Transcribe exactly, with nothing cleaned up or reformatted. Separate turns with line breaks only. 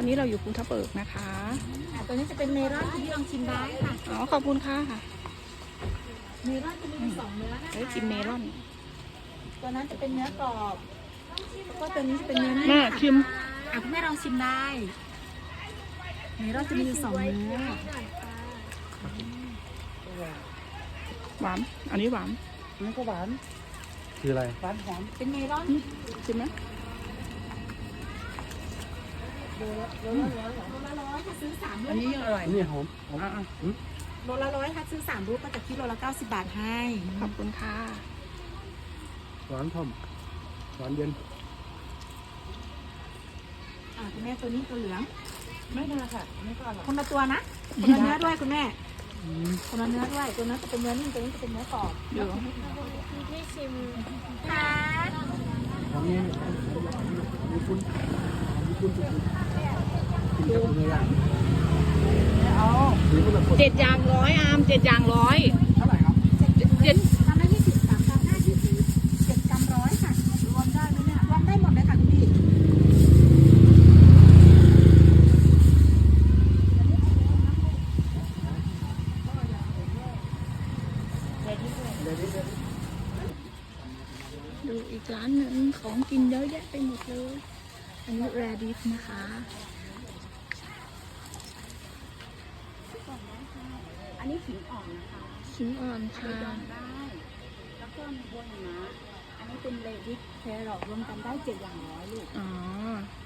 อนนี้เราอยู่ภูทับเบิกนะคะ
อ่ะตัวนี้จะเป็นเมลอนที่ลองชิมได้ค่ะ
อ๋อขอบคุณค่ะค่ะ
เมลอนจะมีอยู่สองเนื้อนะคะ
เฮ้ยกินเมลอน
ตัวนั้นจะเป็นเนื้อกรอบแล้วก็ตัวนี้จะเป็นเนื้อนิ่ม
น่า
ค่ะ
ชิม
อ่ะคุณแม่ลองชิมได้เมลอนจะมีอยู่สองเนื้อ
หวานอันนี้หวาน
นี่ก็หวานคืออะไรหวานหอม
เป็นเมลอน
ชิมไหม
โลละร้อยถ้าซื้อสามลูก
อันนี้ยังอร่อยนี่หอมหอม
อ่ะ
อืม
โลละร้อยถ้าซื้อสามลูกก็จะคิดโลละเก้าสิบบาทให้
ๆขอบคุณค่ะ
หวานทอมหวานเย็น
อ่ะคุณแม่ตัวนี้ตัวเหลือง
ไม่ได้ค่ะไม่ก็อร่อย
คนละตัวนะคนละเนื้อด้วยคุณแม่คนละเนื้อด้วยตัวนั้นจะเป็นเนื้อนิ่มตัวนี้จะเป็นเนื้อกรอบ
เดี๋ยว
ที่ชิมค่ะ
หอมนี่มีคุณมีคุณสุดๆกินกับเนื้อย่างเอาซื้อคนละคน
เจ็ดอย่างร้อยอามเจ็ดอย่างร้อย
เท่าไหร่ครับ
เจ็ด
ทำได้ยี่สิบสามกรัมห้ายี่สิบเจ็ดกรัมร้อยค่ะรวมได้ไหมเนี่ยรวมได้หมดเลยค่ะคุณพี่
ดูอีกร้านหนึ่งของกินเยอะแยะไปหมดเลย อันนี้แรดิฟนะคะ
อันนี้ขิงอ่อนนะคะ
ชิ้นอ่อนค่ะ
ดองได้แล้วก็มีบัวหิมะอันนี้เป็นเลดิสแครอทรวมกันได้เจ็ดอย่างร้อยลูก
อ๋อ